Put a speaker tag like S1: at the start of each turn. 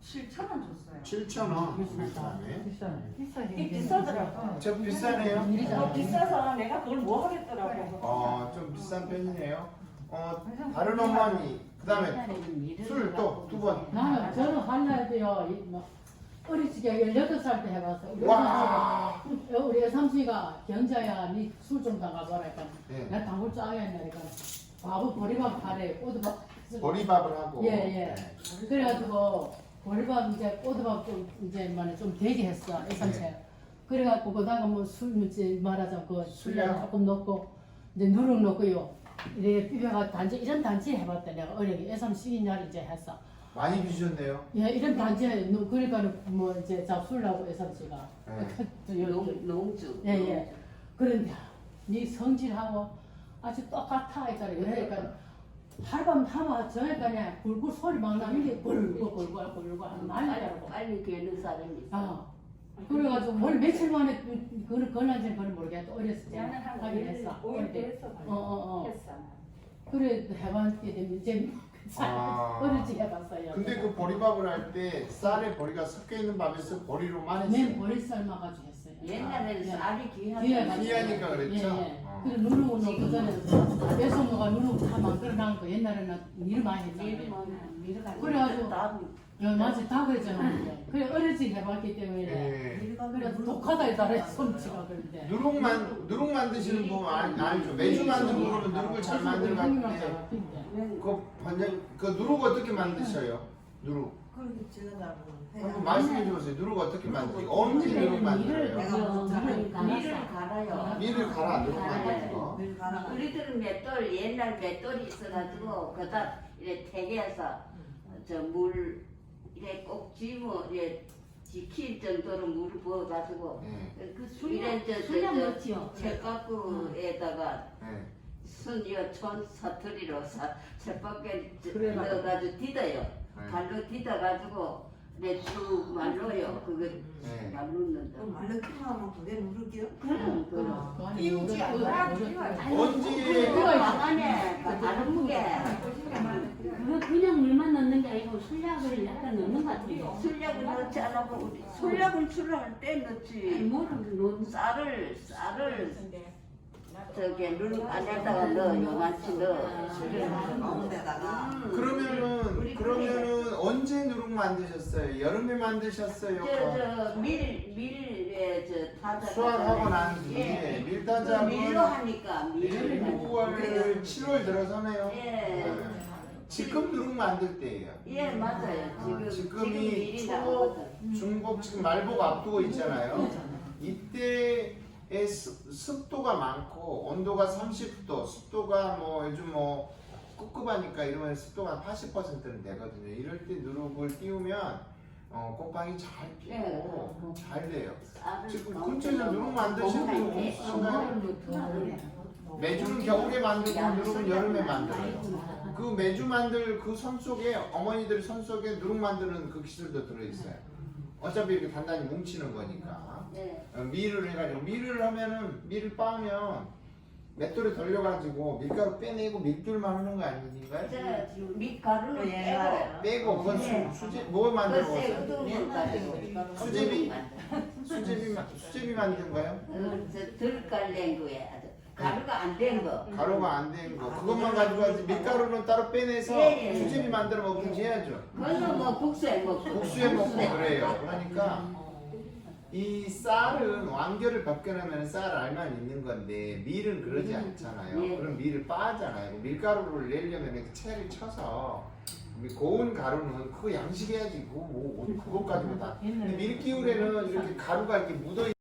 S1: 7,000원 줬어요.
S2: 7,000원.
S1: 이게 비싸더라고.
S2: 좀 비싸네요.
S1: 비싸서 내가 그걸 뭐 하겠더라고.
S2: 좀 비싼 편이네요. 다른 어머니, 그다음에 술 또 두 번.
S3: 저는 한날도요, 어릴 적에 18살 때 해봤어.
S2: 와.
S3: 우리 애삼씨가 경자야, 니 술 좀 담가봐라.
S2: 네.
S3: 내가 담글 줄 알겠네. 바보 보리밥 파래, 꼬드밥.
S2: 보리밥을 하고.
S3: 예.
S2: 네.
S3: 그래가지고 보리밥 이제 꼬드밥 좀 되게 했어, 애삼씨. 그래갖고 그다가 뭐술 이제 말하자면 그 술량 조금 넣고 이제 누룩 넣고요. 이렇게 비벼가 단지 이런 단지 해봤다 내가 어려게 애삼 시기냐를 이제 했어.
S2: 많이 비주셨네요.
S3: 예, 이런 단지에 그러니까 뭐 이제 잡술라고 애삼씨가
S4: 농주.
S3: 예예. 그런데 네 성질하고 아주 똑같아 했잖아. 그러니까 하룻밤 하면 저녁까지 굴굴 소리 막 나면 이게 굴굴 난리라고.
S4: 빨리 괴는 사람이 있어.
S3: 그래가지고 뭘 며칠 만에 건난지는 그걸 모르겠다. 어렸을 때
S1: 나는 한
S3: 하긴 했어.
S1: 5일 때 했어. 했어.
S3: 그래 해봤게 되면 이제 어릴 적 해봤어요.
S2: 근데 그 보리밥을 할 때 쌀에 보리가 섞여 있는 밥에서 보리로만
S3: 맨
S2: 했어요.
S3: 보리 삶아가지고 했어요.
S4: 옛날에는 쌀이
S3: 귀하니까.
S2: 귀하니까 그랬죠?
S3: 그래 누룩은 그 전에 배송로가 누룩 다 만들어놓은 거 옛날에는 일 많이 했잖아요. 그래가지고 맞아 다 그랬잖아. 그래 어릴 적 해봤기 때문에 그래 독하다 이따라 솜치가 그런데.
S2: 누룩 만드시는 분 알죠? 매주 만드는 분은 누룩을 잘 만들었는데 그 누룩 어떻게 만드셔요? 누룩
S5: 그렇게 지어달라고
S2: 한번 말씀해 주세요. 누룩 어떻게 만드세요? 언제 누룩 만들어요?
S4: 밀을 갈아요.
S2: 밀을 갈아 누룩 만드는 거.
S4: 우리들은 맷돌 옛날 맷돌이 있어가지고 그다 이렇게 태개해서 저 물 이래 꼭 쥐면 이래 지킬 정도로 물을 부어가지고 이래 저 쳇가꾸에다가 순이어 천 사투리로 쳇바퀴 넣어가지고 디뎌요. 발로 디뎌가지고 내쭉 말로요. 그거 말로는다.
S5: 말르기만 하면 그게 누르기요?
S4: 그럼.
S1: 띄우지 않아.
S2: 언제
S4: 왕안에 다른 무게.
S6: 그거 그냥 물만 넣는 게 아니고 술약을 약간 넣는 것 같아요.
S4: 술약을 넣지 않아도 우리 술약을 술할 때 넣지. 쌀을 저기 누룩 안에다가 넣어 요만치 넣어.
S5: 넣은 데다가
S2: 그러면은 언제 누룩 만드셨어요? 여름에 만드셨어요?
S4: 저 밀에 저 타자.
S2: 수확하고 난 뒤에 밀타작은
S4: 밀로 하니까
S2: 6월, 7월 들어서네요.
S4: 예.
S2: 지금 누룩 만들 때예요.
S4: 예 맞아요. 지금
S2: 지금이
S4: 밀이
S2: 초,
S4: 나오거든.
S2: 중복 지금 말복 앞두고 있잖아요. 이때의 습도가 많고 온도가 30도, 습도가 뭐 요즘 뭐 꿉꿉하니까 이러면 습도가 80%는 되거든요. 이럴 때 누룩을 띄우면 곰팡이 잘 피고 잘 돼요. 지금 근처에서 누룩 만드시는 분 없으신가요? 매주는 겨울에 만들고 누룩은 여름에 만들어요. 그 매주 만들 그 손 속에 어머니들 손 속에 누룩 만드는 그 기술도 들어있어요. 어차피 이렇게 단단히 뭉치는 거니까. 밀을 해가지고 밀을 하면은 밀을 빻으면 맷돌에 돌려가지고 밀가루 빼내고 밀줄만 하는 거 아닌가요?
S4: 저 밀가루는
S2: 빼고 그건 수제 뭐 만들어
S4: 먹었어요?
S2: 수제비 만든 거요?
S4: 저 들깔낸 거야. 가루가 안 된 거.
S2: 가루가 안 된 거 그것만 가지고 가지 밀가루는 따로 빼내서 수제비 만들어 먹든지 해야죠.
S4: 그거는 뭐 국수에 먹고.
S2: 국수에 먹고 그래요. 그러니까 이 쌀은 완결을 벗겨내면 쌀 알만 있는 건데 밀은 그러지 않잖아요. 그럼 밀을 빻잖아요. 밀가루를 내려면 이렇게 채를 쳐서 고운 가루는 그거 양식해야지 그거 뭐 그것 가지고 다. 근데 밀기울에는 이렇게 가루가 이렇게 묻어